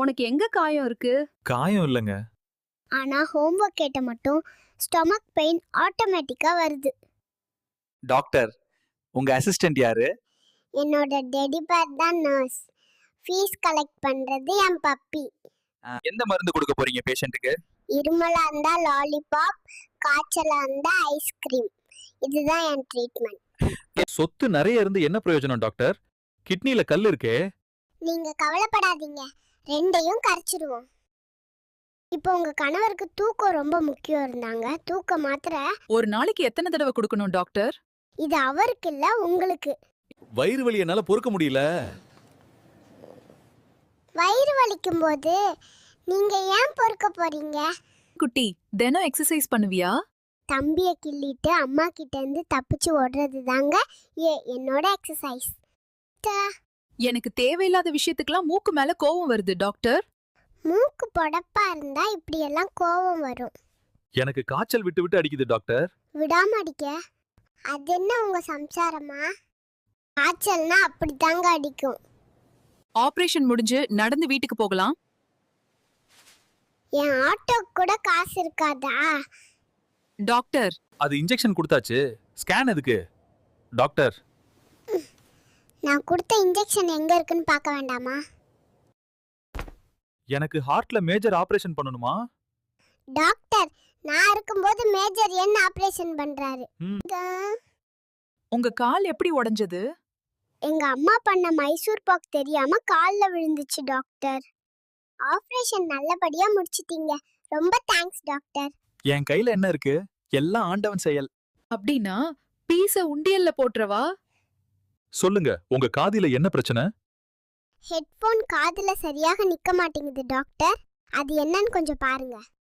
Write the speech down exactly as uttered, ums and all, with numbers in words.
உனக்கு எங்க காயம் இருக்கு? காயம் இல்லங்க. ஆனா ஹோம்வொர்க் கேட்ட மட்டும் ஸ்டொமக் பெயின் ஆட்டோமேட்டிக்கா வருது. டாக்டர், உங்க அசிஸ்டன்ட் யாரு? என்னோட டெடி பேர் தான் நர்ஸ். ஃபீஸ் கலெக்ட் பண்றது என் பப்பி. ஆ, எந்த மருந்து கொடுக்க போறீங்க பேஷண்ட்டுக்கு? இருமலா இருந்தா லாலிபாப், காய்ச்சலா இருந்தா ஐஸ்கிரீம். இதுதான் என் ட்ரீட்மெண்ட். சொத்து நிறைய இருந்து என்ன பிரயோஜனம் டாக்டர்? கிட்னில கல் இருக்கே. நீங்க கவலைப்படாதீங்க, ரெண்டையும் கரைச்சிடுவோம். இப்போ உங்க கணவருக்கு தூக்கம் ரொம்ப முக்கியம் இருந்தாங்க. தூக்க மாத்திரை ஒரு நாளைக்கு எத்தனை தடவை கொடுக்கணும் டாக்டர்? இது அவருக்கு இல்ல, உங்களுக்கு. வயிறு வலி என்னால பொறுக்க முடியல. வயிறு வலிக்கும் போது நீங்க ஏன் பொறுக்க போறீங்க? குட்டி, தினம் எக்ஸசைஸ் பண்ணுவியா? தம்பிய கிள்ளிட்டு அம்மா கிட்ட இருந்து தப்பிச்சு ஓடுறது தாங்க ஏ என்னோட எக்ஸசைஸ். எனக்கு தேவையில்லாத விஷயத்துக்கெல்லாம் மூக்கு மேல கோவம் வருது டாக்டர். மூக்கு பொடப்பா இருந்தா இப்படி எல்லாம் கோவம் வரும். எனக்கு காய்ச்சல் விட்டு விட்டு அடிக்குது டாக்டர். விடாம அடிக்க? அது என்ன உங்க சம்சாரமா? காய்ச்சல்னா அப்படித்தாங்க அடிக்கும். ஆபரேஷன் முடிஞ்சு நடந்து வீட்டுக்கு போகலாம். என் ஆட்டோ கூட காசு இருக்காதா? டாக்டர், அது இன்ஜெக்ஷன் கொடுத்தாச்சு. ஸ்கேன் எதுக்கு? டாக்டர், நான் கொடுத்த இன்ஜெக்ஷன் எங்க இருக்குன்னு பார்க்க வேண்டாமா? எனக்கு ஹார்ட்ல மேஜர் ஆபரேஷன் பண்ணணுமா? டாக்டர், நான் இருக்கும்போது மேஜர் என்ன ஆபரேஷன் பண்றாரு? ம். இதா- உங்க கால் எப்படி உடைஞ்சது? எங்க அம்மா பண்ண மைசூர் பாக் தெரியாம கால்ல விழுந்துச்சு டாக்டர். ஆபரேஷன் நல்லபடியா முடிச்சிட்டீங்க. ரொம்ப தேங்க்ஸ் டாக்டர். என் கையில என்ன இருக்கு? எல்லாம் ஆண்டவன் செயல். அப்படின்னா பீஸ உண்டியல்ல போட்றவா? சொல்லுங்க, உங்க காதில என்ன பிரச்சனை? ஹெட்போன் காதுல சரியாக நிக்க மாட்டேங்குது டாக்டர். அது என்னன்னு கொஞ்சம் பாருங்க.